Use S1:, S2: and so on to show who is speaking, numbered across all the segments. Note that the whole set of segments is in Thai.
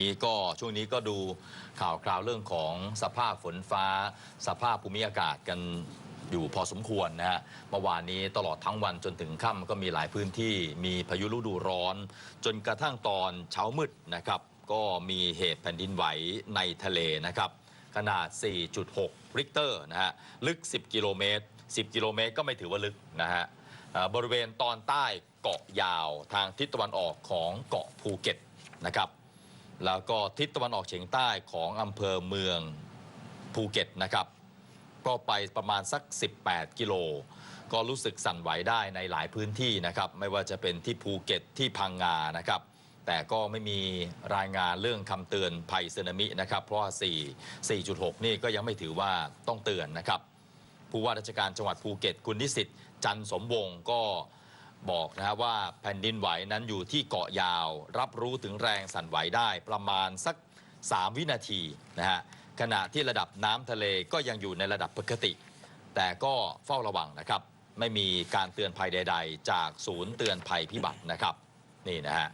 S1: นี้ก็ช่วงนี้ก็ดูข่าวคราวเรื่องของสภาพฝนฟ้าสภาพภูมิอากาศกันอยู่พอสมควรนะฮะเมื่อวานนี้ตลอดทั้งวันจนถึงค่ำก็มีหลายพื้นที่มีพายุฤดูร้อนจนกระทั่งตอนเช้ามืดนะครับก็มีเหตุแผ่นดินไหวในทะเลนะครับขนาด 4.6 ริกเตอร์นะฮะลึก 10 กิโลเมตร 10 กิโลเมตรก็ไม่ถือว่าลึกนะฮะบริเวณตอนใต้เกาะยาวทางทิศตะวันออกของเกาะภูเก็ตนะครับแล้วก็ทิศตะวันออกเฉียงใต้ของอำเภอเมืองภูเก็ตนะครับก็ไปประมาณสัก 18 กิโลก็รู้สึกสั่นไหวได้ในหลายพื้นที่นะครับไม่ว่าจะเป็นที่ภูเก็ตที่พังงานะครับแต่ก็ไม่มีรายงานเรื่องคำเตือนภัยสึนามินะครับเพราะว่า 4.6 นี่ก็ยังไม่ถือว่าต้องเตือนนะครับผู้ว่าราชการจังหวัดภูเก็ตคุณนิสิตจันทร์สมวงศ์ก็บอกนะว่าแผ่นดินไหวนั้นอยู่ที่เกาะยาวรับรู้ถึงแรงสั่นไหวได้ประมาณสัก3 วินาทีนะฮะขณะที่ระดับน้ำทะเลก็ยังอยู่ในระดับปกติแต่ก็เฝ้าระวังนะครับไม่มีการเตือนภัยใดๆจากศูนย์เตือนภัยพิบัตินะครับนี่นะฮะ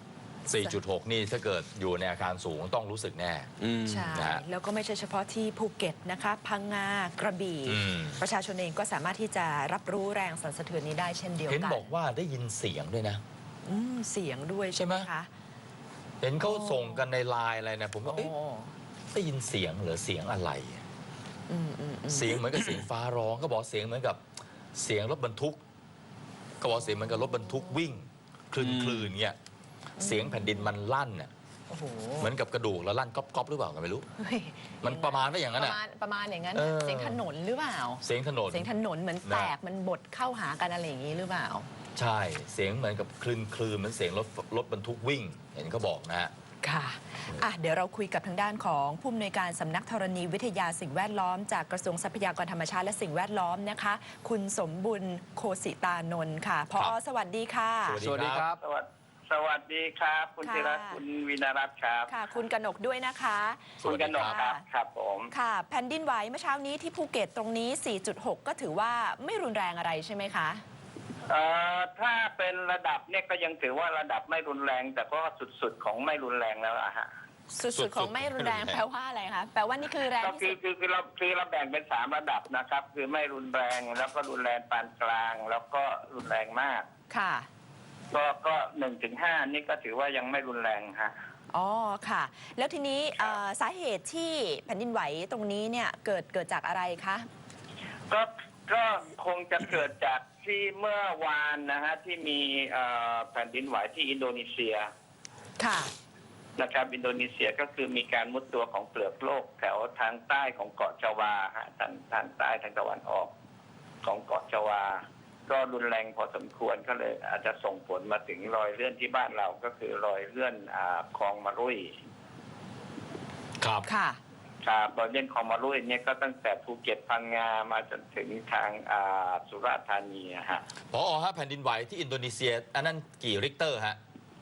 S1: 4.6 นี่ถ้าเกิดอยู่ในอาคารสูงต้องรู้สึกแน่
S2: ใช่แล้วก็ไม่ใช่เฉพาะที่ภูเก็ตนะคะพังงากระบี่ประชาชนเองก็สามารถที่จะรับรู้แรงสั่นสะเทือนนี้ได้เช่นเดียวกัน
S1: เห็นบอกว่าได้ยินเสียงด้วยนะ
S2: เสียงด้วยใช่ไหมคะ
S1: เห็นเขาส่งกันในไลน์อะไรนะผมก็ได้ยินเสียงหรือเสียงอะไรเสียงเหมือนกับเสียงฟ้าร้องก็บอกเสียงเหมือนกับเสียงรถบรรทุกก็บอกเสียงเหมือนกับรถบรรทุกวิ่งคลื่นเงี้ยเสียงแผ่นดินมันลั่นเนี่ยเหมือนกับกระดูกแล้วลั่นก๊อบหรือเปล่าก็ไม่รู้มันประมาณว่าอย่างนั้น
S2: ประมาณอย่างนั้นเสียงถนนหรือเปล่า
S1: เสียงถนน
S2: เหมือนแตกมันบดเข้าหากันอะไรอย่างนี้หรือเปล่า
S1: ใช่เสียงเหมือนกับคลื่นเหมือนเสียงรถบรรทุกวิ่งเห็นเขาบอกนะฮะ
S2: ค่ะเดี๋ยวเราคุยกับทางด้านของผู้อำนวยการสำนักธรณีวิทยาสิ่งแวดล้อมจากกระทรวงทรัพยากรธรรมชาติและสิ่งแวดล้อมนะคะคุณสมบุญโคสิตานนท์ค่ะผอ.สวัสดีค่ะ
S1: สวัสดีครับ
S3: สวัสดีครับคุณธีรัตน์คุณวินารัตน์ครับ
S2: ค่ะคุณกนกด้วยนะคะ
S3: คุณกนกครับผม
S2: ค่ะแผ่นดินไหวเมื่อเช้านี้ที่ภูเก็ตตรงนี้ 4.6 ก็ถือว่าไม่รุนแรงอะไรใช่ไหมคะ
S3: ถ้าเป็นระดับเนี่ยก็ยังถือว่าระดับไม่รุนแรงแต่ก็สุดของไม่รุนแรงแล้วอะฮะ
S2: สุดของไม่รุนแรงแปลว่าอะไรคะแปลว่านี่คือแรงที่สุด
S3: คือเราแบ่งเป็น3 ระดับนะครับคือไม่รุนแรงแล้วก็รุนแรงปานกลางแล้วก็รุนแรงมาก
S2: ค่ะ
S3: ก็1 ถึง 5นี่ก็ถือว่ายังไม่รุนแรงฮะ
S2: อ๋อค่ะแล้วทีนี้สาเหตุที่แผ่นดินไหวตรงนี้เนี่ยเกิดจากอะไรคะ
S3: ก็คงจะเกิดจากที่เมื่อวานนะฮะที่มีแผ่นดินไหวที่อินโดนีเซีย
S2: ค่ะ
S3: นะครับอินโดนีเซียก็คือมีการมุดตัวของเปลือกโลกแถวทางใต้ของเกาะจาวาฮะทางใต้ทางตะวันออกของเกาะจาวาก็รุนแรงพอสมควรก็เลยอาจจะส่งผลมาถึงรอยเลื่อนที่บ้านเราก็คือรอยเลื่อนคลองมะรุ่ย
S1: ครับ
S2: ค่ะ
S3: ครับรอยเลื่อนคลองมะรุ่ยเนี่ยก็ตั้งแต่ภูเก็ตพังงามาจนถึงทางสุราษฎร์ธานีฮะ
S1: ผอ.ฮะแผ่นดินไหวที่อินโดนีเซียอันนั้นกี่ริกเตอร์ฮะ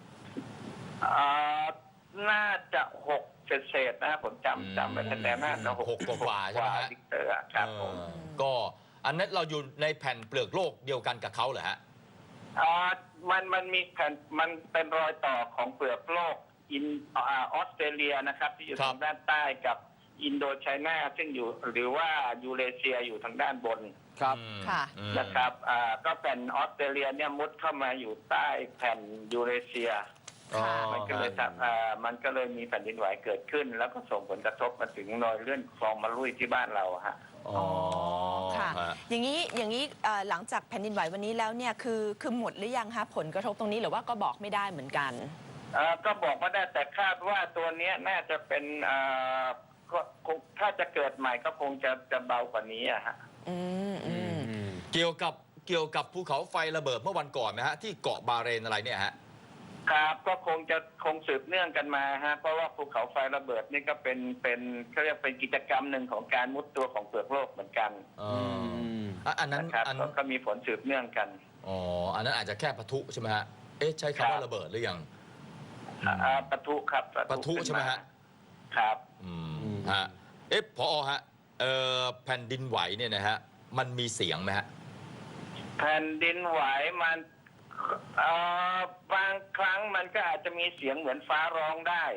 S3: น่าจะ6 เศษนะผมจำไม่ได้แต่น่าจะ
S1: 6 กว่าใช่ไหมฮะ
S3: ริกเตอร์ครับผม
S1: ก็อันนั้นเราอยู่ในแผ่นเปลือกโลกเดียวกันกับเขาเหรอฮะ
S3: มันมีแผ่นมันเป็นรอยต่อของเปลือกโลกออสเตรเลียนะครับที่อยู่ทางด้านใต้กับอินโดไชน่าซึ่งอยู่หรือว่ายูเรเซียอยู่ทางด้านบน
S1: ครับ
S2: ค่ะ
S3: นะครับก็แผ่นออสเตรเลียเนี่ยมุดเข้ามาอยู่ใต้แผ่นยูเรเซียมันก็เลยมีแผ่นดินไหวเกิดขึ้นแล้วก็ส่งผลกระทบมาถึงรอยเลื่อนคลองมะรุ่ยที่บ้านเราฮะ
S2: อ๋อค่ะอย่างนี้หลังจากแผ่นดินไหววันนี้แล้วเนี่ยคือหมดหรือยังคะผลกระทบตรงนี้หรือว่าก็บอกไม่ได้เหมือนกัน
S3: ก็บอกไม่ได้แต่คาดว่าตัวนี้น่าจะเป็นถ้าจะเกิดใหม่ก็คงจะเบากว่านี้อะฮะ
S1: เกี่ยวกับภูเขาไฟระเบิดเมื่อวันก่อนนะฮะที่เกาะบาเรนอะไรเนี่ยฮะ
S3: ครับก็คงสืบเนื่องกันมาฮะเพราะว่าภูเขาไฟระเบิดนี่ก็เป็นเขาเรียกเป็นกิจกรรมหนึ่งของการมุดตัวของเปลือกโลกเหมือนกัน
S1: อันนั้น
S3: ก็มีผลสืบเนื่องกัน
S1: อันนั้นอาจจะแค่ปะทุใช่ไหมฮะใช้คำว่าระเบิดหรือยัง
S3: ปะทุครับ
S1: ปะทุใช่ไหมฮะ
S3: ครับ
S1: ฮะผอ.ฮะแผ่นดินไหวเนี่ยนะฮะมันมีเสียงไหมฮะ
S3: แผ่นดินไหวมันบางครั้งมันก็อาจจะมีเสียงเหมือนฟ้าร้องได้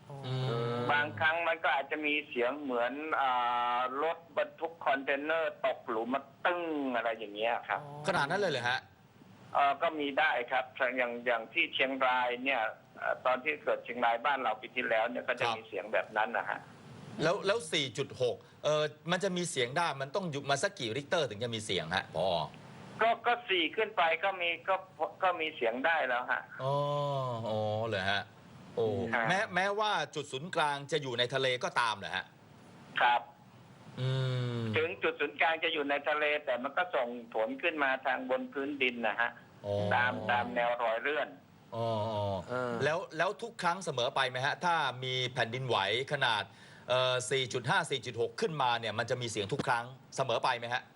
S1: อืม
S3: บางครั้งมันก็อาจจะมีเสียงเหมือนรถบรรทุกคอนเทนเนอร์ตกหลุมมาตึ้งอะไรอย่างเงี้ยครับ
S1: ขนาดนั้นเลยเหรอฮะ
S3: ก็มีได้ครับอย่างที่เชียงรายเนี่ยตอนที่เกิดเชียงรายบ้านเราปีที่แล้วเนี่ยก็จะ
S1: ครับ
S3: มีเสียงแบบนั้นนะฮะ
S1: แล้ว 4.6 มันจะมีเสียงได้มันต้องอยู่มาสักกี่ริกเตอร์ถึงจะมีเสียงฮะพอ
S3: ก็สี่ขึ้นไปก็มีเสียงได้แล้วฮะ
S1: อ๋อเหรอฮะ โอ้
S3: ครับ
S1: แม้ว่าจุดศูนย์กลางจะอยู่ในทะเลก็ตามเหรอฮะ
S3: ครับ
S1: อืม
S3: ถึงจุดศูนย์กลางจะอยู่ในทะเล แต่มันก็ส่งผลขึ้นมาทางบนพื้นดินนะฮะ
S1: อ๋อ
S3: ตามแนวรอยเลื่อน
S1: อ๋อ
S4: เออ
S1: แล้วทุกครั้งเสมอไปไหมฮะ ถ้ามีแผ่นดินไหวขนาด4.5 4.6 ขึ้นมาเนี่ยมันจะมีเสียงทุกครั้งเสมอไปไหมฮะ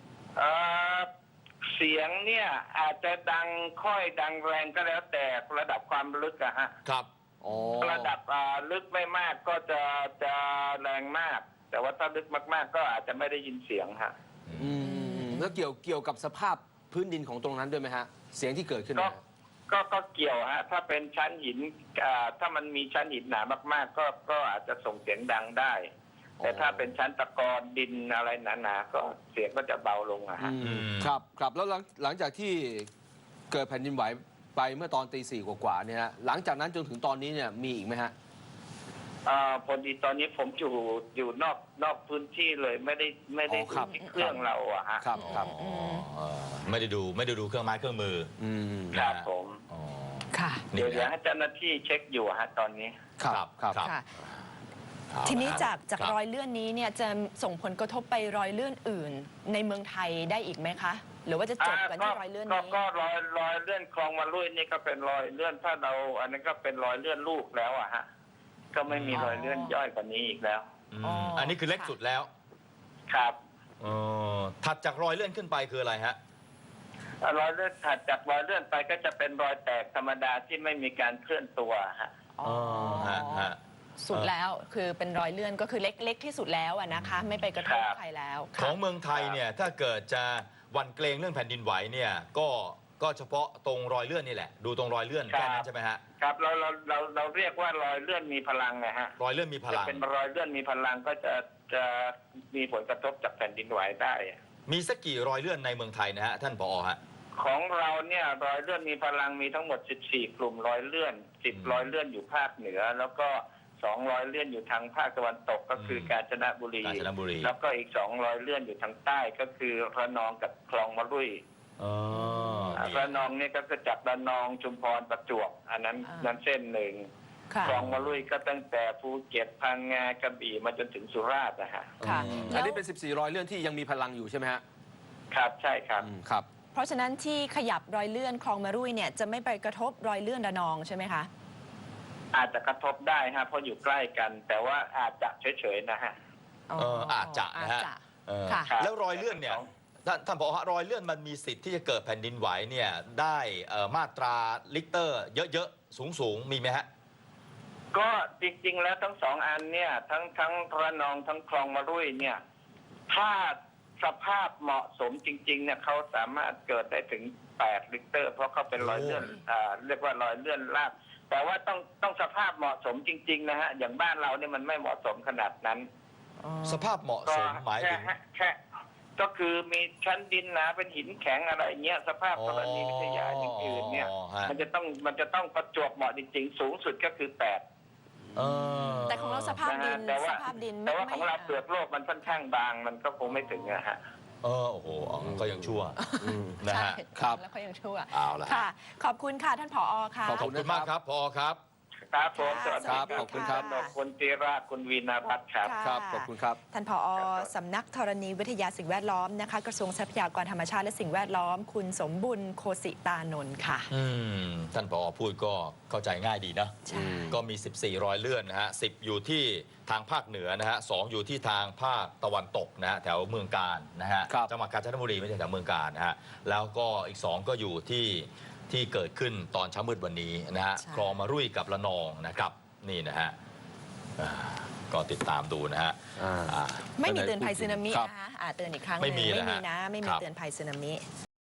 S3: เสียงเนี่ยอาจจะดังค่อยดังแรงก็แล้วแต่ระดับความลึกอะฮะ
S1: ครับ
S4: อ๋อ
S3: ระดับลึกไม่มากก็จะแรงมาก แต่ว่าถ้าลึกมากๆ ก็อาจจะไม่ได้ยินเสียงฮะ
S4: อืมแล้วเกี่ยวกับสภาพพื้นดินของตรงนั้นด้วยไหมฮะ เสียงที่เกิดขึ้น
S3: ก็
S4: นะ
S3: ก็เกี่ยวฮะถ้าเป็นชั้นหินถ้ามันมีชั้นหินหนามากๆ ก็อาจจะส่งเสียงดังได้ แต่ถ้าเป็นชั้นตะกอนดินอะไรหนาๆก็เสียงก็จะเบาลงอะฮะ
S4: อืมครับแล้วหลังจากที่เกิดแผ่นดินไหวไปเมื่อตอนตี 4 กว่าๆเนี่ยฮะหลังจากนั้นจนถึงตอนนี้เนี่ยมีอีกไหมฮะ
S3: พอดีตอนนี้ผมอยู่นอกพื้นที่เลยไม่ได้
S4: อ๋อครับ
S3: ดูที่เครื่องเราอะฮะ
S4: ครับครับ
S1: อ๋อไม่ได้ดูเครื่องไม้เครื่องมือ
S4: อืม
S3: ครับ
S1: นะฮะ
S3: ผม
S1: อ๋อ
S2: ค่ะ
S1: นี่
S3: เดี๋ยว
S1: นะ
S3: ให้เจ้าหน้าที่เช็คอยู่ฮะตอนนี้
S4: ครับครับ
S2: ค่ะ
S1: เอา
S2: ทีนี้
S1: ละ
S2: จาก
S1: ครับ
S2: รอยเลื่อนนี้เนี่ยจะส่งผลกระทบไปรอยเลื่อนอื่น ในเมืองไทยได้อีกไหมคะ หรือว่าจะจบกันที่รอยเลื่อนนี้
S3: ก็รอยเลื่อนคลองมาลุยนี่ก็เป็นรอยเลื่อนถ้าเราอันนั้นก็เป็นรอยเลื่อนลูกแล้วอะฮะก็ไม่มีรอยเลื่อนย่อยกว่านี้อีกแล้ว
S1: อืมอันนี้คือเล็กสุดแล้ว
S3: ครับ
S1: ถัดจากรอยเลื่อนขึ้นไปคืออะไรฮะ
S3: รอยเลื่อนถัดจากรอยเลื่อนไปก็จะเป็นรอยแตกธรรมดาที่ไม่มีการเคลื่อนตัวฮะ
S2: อ๋อ
S1: ฮะ
S2: สุดแล้วคือเป็นรอยเลื่อนก็คือเล็กที่สุดแล้วอะนะคะ ไม่ไปกระทบ
S3: ครับ
S2: ใครแล้ว
S1: ข
S2: ค่ะ
S1: องเมืองไทยเนี่ยถ้าเกิดจะหวั่นเกรงเรื่องแผ่นดินไหวเนี่ยก็เฉพาะตรงรอยเลื่อนนี่แหละ ดูตรงรอยเลื่อน
S3: ครับ
S1: แค่นั้นใช่ไหมฮะ
S3: ครับเราเรียกว่ารอยเลื่อนมีพลังนะฮะ
S1: รอยเลื่อนมีพ
S3: จะ
S1: ลัง
S3: เป็นรอยเลื่อนมีพลังก็จะมีผลกระทบจากแผ่นดินไหวได้
S1: มีสักกี่รอยเลื่อนในเมืองไทยนะฮะท่านผอฮะ
S3: ของเราเนี่ยรอยเลื่อนมีพลังมีทั้งหมด 14 กลุ่มรอยเลื่อน 10 รอยเลื่อนอยู่ภาคเหนือ แล้วก็2รอยเลื่อนอยู่ทางภาคตะวันตกก็คือ
S1: ม
S3: กาญจนบุรี
S1: กาญจนบุรี
S3: แล้วก็อีก2รอยเลื่อนอยู่ทางใต้ก็คือระนองกับคลองมะลุย
S1: อ๋อนี่
S3: ระนองเนี่ยก็คือจากระนองชุมพรประจวบอันนั้น
S2: อ่า
S3: นั้นเส้นหนึ่ง
S2: ค่ะ
S3: คลองมะลุยก็ตั้งแต่ภูเก็ตพังงากระบี่มาจนถึงสุราษฎร์นะฮะ
S2: ค่ะ
S4: อันนี้เป็น 14 รอยเลื่อนที่ยังมีพลังอยู่ใช่ไหมฮะ
S3: ครับใช่ครับ
S4: ครับ
S2: เพราะฉะนั้นที่ขยับรอยเลื่อนคลองมารุ่ยเนี่ยจะไม่ไปกระทบรอยเลื่อนระนองใช่ไหมคะ
S3: อาจจะกระทบได้ฮะเพราะอยู่ใกล้กัน แต่ว่าอาจจะเฉยๆนะฮะ
S1: อาจจะนะฮะ
S2: อาจจะ
S1: เออ
S2: ค่ะ
S3: ครับ
S1: แล้วรอยเลื่อนเนี่ยท่านผอฮะรอยเลื่อนมันมีสิทธิ์ที่จะเกิดแผ่นดินไหวเนี่ยได้มาตราลิกเตอร์เยอะๆสูงมีไหมฮะ
S3: ก็จริงๆแล้วทั้งสองอันเนี่ยทั้งระนองทั้งคลองมะรุ่ยเนี่ยถ้าสภาพเหมาะสมจริงๆเนี่ยเขาสามารถเกิดได้ถึง8ลิกเตอร์เพราะเขาเป็นรอยเลื่อนเรียกว่ารอยเลื่อนลาดแต่ว่าต้องสภาพเหมาะสมจริงๆนะฮะอย่างบ้านเราเนี่ยมันไม่เหมาะสมขนาดนั้น
S1: สภาพเหมาะ
S3: ก็
S1: สมหมายถึง
S3: แค่ก็คือมีชั้นดินหนาเป็นหินแข็งอะไรเงี้ยสภาพธรณีวิทยาอย่างอื่นเนี่ย
S1: ฮะ
S3: มันจะต้องประจวบเหมาะจริงๆสูงสุดก็คือ8
S2: แต่ของเราสภาพดิน
S3: แต่
S2: ส
S3: ว่า
S2: ภาพดิน
S3: แต่ว่า
S2: ไม่
S3: ของเราเปลือกโลกมันค่อนข้างบางมันก็คงไม่ถึงนะฮะ
S1: โอ้โหก็ยังชั่วนะ
S2: ใช่
S1: ฮะ
S4: ครับ
S2: แล้วก็ยังชั่ว
S1: เอาละ
S2: ค่ะ ขอบคุณค่ะท่านผอค่ะ
S1: ขอบคุณมากครับผอครับ
S3: ครับผม
S2: ค่ะ
S3: สวัสดี
S4: ขอบคุณครับ
S3: คุณตีราคุณวีนารัตน์ครับ
S2: ค่ะ
S4: ครับ ขอบคุณครับ
S2: ท่านผอสำนักธรณีวิทยาสิ่งแวดล้อมนะคะกระทรวงทรัพยากรธรรมชาติและสิ่งแวดล้อม คุณสมบุญโคสิตานนท์ค่ะ
S1: ท่านผอพูดก็เข้าใจง่ายดีนะ
S2: ใช่
S1: ก็มี 14 รอยเลื่อนนะฮะ 10 อยู่ที่ทางภาคเหนือนะฮะ 2 อยู่ที่ทางภาคตะวันตกนะฮะแถวเมืองกาญนะฮะ
S4: ครับ
S1: จังหวัดกาญจนบุรีไม่ใช่แถวเมืองกาญนะฮะ แล้วก็อีก 2 ก็อยู่ที่เกิดขึ้นตอนเช้ามืดวันนี้นะฮะ
S2: ใช่
S1: คลองมารุ่ยกับระนองนะครับ นี่นะฮะก็ติดตามดูนะฮะ
S4: อ่า
S2: ไม่มีเตือนภัยสึนามิ
S4: ครับ
S2: นะคะเตือนอีกครั้งห
S1: ไม่
S2: นึ่ง
S1: มี
S2: ไม่
S1: นะ
S2: มี
S1: ฮะ
S2: นะ ไม่
S1: ค
S2: มี
S1: รับ
S2: เตือนภัยสึนามิ